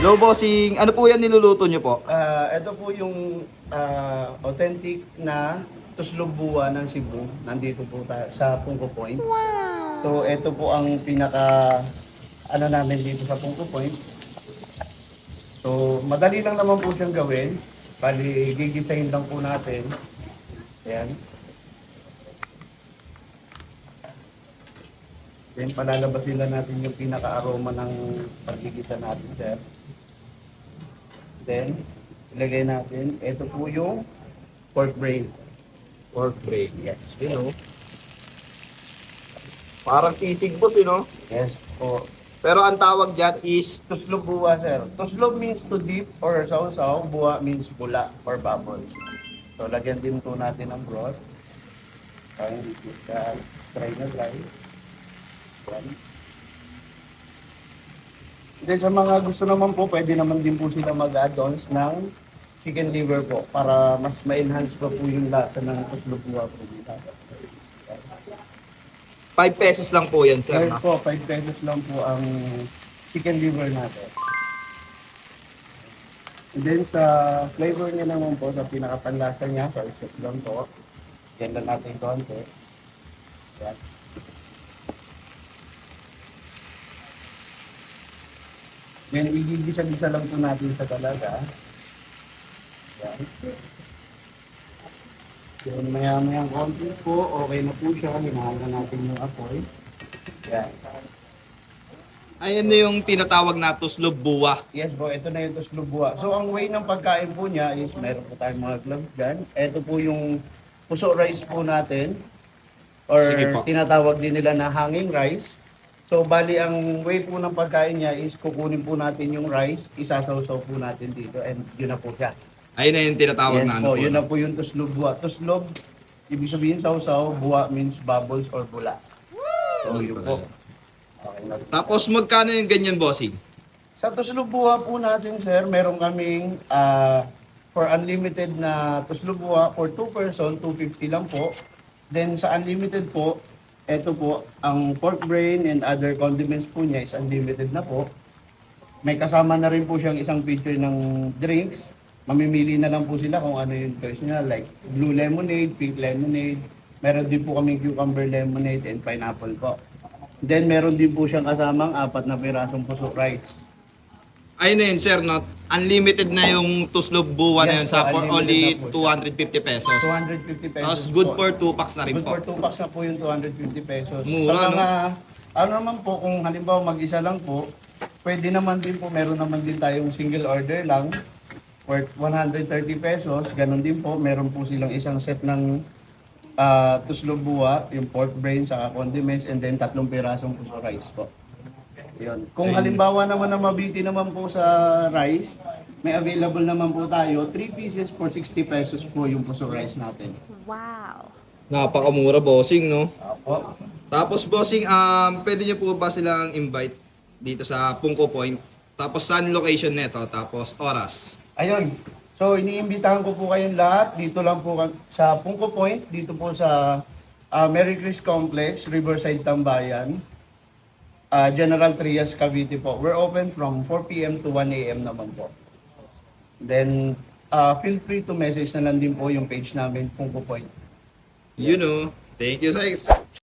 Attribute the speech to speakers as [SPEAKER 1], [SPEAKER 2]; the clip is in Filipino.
[SPEAKER 1] Hello, bossing. Ano po yan niluluto nyo po?
[SPEAKER 2] Ito po yung authentic na tuslubua ng Cebu. Nandito po tayo sa Punko Point. So ito po ang pinaka ano namin dito sa Punko Point. So madali lang naman po siyang gawin. Bali gigisahin lang po natin. Ayan. Then palalabasin lang natin yung pinaka-aroma ng pagigisa natin, sir. Then, ilagay natin, ito po yung pork brain.
[SPEAKER 1] Pork brain.
[SPEAKER 2] Yes.
[SPEAKER 1] Yun, oh. Parang sisig po, no?
[SPEAKER 2] Yes po.
[SPEAKER 1] Pero ang tawag dyan is
[SPEAKER 2] Tuslog buwa, sir. Tuslog means to dip or sausaw. Buwa means bula or bubble. So, lagyan din po natin ng broth. Parang dry na dry. Yan. Then sa mga gusto naman po, pwede naman din po sila mag-add-ons ng chicken liver po para mas ma-enhance pa po yung lasa ng tuslog buwa po dito.
[SPEAKER 1] 5 pesos lang po yan, sir.
[SPEAKER 2] Sir
[SPEAKER 1] No?
[SPEAKER 2] po, 5 pesos lang po ang chicken liver natin. And then sa flavor niya naman po, sa pinakapanlasa niya, so isip lang po. Yan lang natin konti. Yan. Then igigisa-gisa lang po natin sa talaga. Yan. Then maya-mayang konti po, okay na po siya. Hinahaga natin yung apoy. Yan.
[SPEAKER 1] Ayan na yung tinatawag na tuslob buwa.
[SPEAKER 2] Yes po, ito na yung tuslubua. So ang way ng pagkain po niya is meron po tayong mga gloves dyan. Ito po yung puso rice po natin. Or
[SPEAKER 1] Sige po.
[SPEAKER 2] tinatawag din nila na hanging rice. So bali ang way po ng pagkain niya is kukunin po natin yung rice, isasawsaw po natin dito and yun na po siya.
[SPEAKER 1] Ayun na yung tinatawag
[SPEAKER 2] Yes
[SPEAKER 1] na ano
[SPEAKER 2] po,
[SPEAKER 1] po.
[SPEAKER 2] yun
[SPEAKER 1] no?
[SPEAKER 2] na po yung tuslubua. Tuslog, ibig sabihin sausaw, buwa means bubbles or bula. So yun po. Okay na po.
[SPEAKER 1] Tapos magkano yung ganyan, bossing?
[SPEAKER 2] Sa tuslubua po natin, sir, meron kaming for unlimited na tuslubua for 2 person, 250 lang po. Then sa unlimited po, eto po, ang pork brain and other condiments po niya is unlimited na po. May kasama na rin po siyang isang pitcher ng drinks. Mamimili na lang po sila kung ano yung choice niya, like blue lemonade, pink lemonade. Meron din po kaming cucumber lemonade and pineapple po. Then meron din po siyang kasamang 4 na pirasong puso rice.
[SPEAKER 1] Ayun na yun, sir. No? Unlimited na yung tuslob buwa na yun
[SPEAKER 2] Yes,
[SPEAKER 1] sa for
[SPEAKER 2] unlimited
[SPEAKER 1] only
[SPEAKER 2] na po
[SPEAKER 1] 250 pesos.
[SPEAKER 2] 250 pesos.
[SPEAKER 1] Tapos good
[SPEAKER 2] po.
[SPEAKER 1] for 2 packs na rin
[SPEAKER 2] Good
[SPEAKER 1] po.
[SPEAKER 2] for 2 packs na po yung 250 pesos.
[SPEAKER 1] Mura,
[SPEAKER 2] Sa mga, ano naman po, kung halimbawa mag-isa lang po, pwede naman din po, meron naman din tayong single order lang, worth 130 pesos. Ganon din po, meron po silang isang set ng tuslog buwa, yung pork brain, saka condiments, and then 3 pirasong puso rice po. Yun. Kung halimbawa naman na mabiti naman po sa rice, may available naman po tayo, 3 pieces for 60 pesos po yung puso rice natin.
[SPEAKER 3] Wow.
[SPEAKER 1] Napakamura, bossing, no?
[SPEAKER 2] Apo.
[SPEAKER 1] Tapos, bossing, pwede nyo po ba silang invite dito sa Punko Point? Tapos, saan location neto? Tapos, oras?
[SPEAKER 2] Ayun. So, iniimbitahan ko po kayong lahat. Dito lang po sa Punko Point. Dito po sa Merry Chris Complex, Riverside, Tambayan. General Trias, Cavite po. We're open from 4 p.m. to 1 a.m. naman po. Then, feel free to message na lang din po yung page namin, Punko Point.
[SPEAKER 1] You know. Thank you, sir.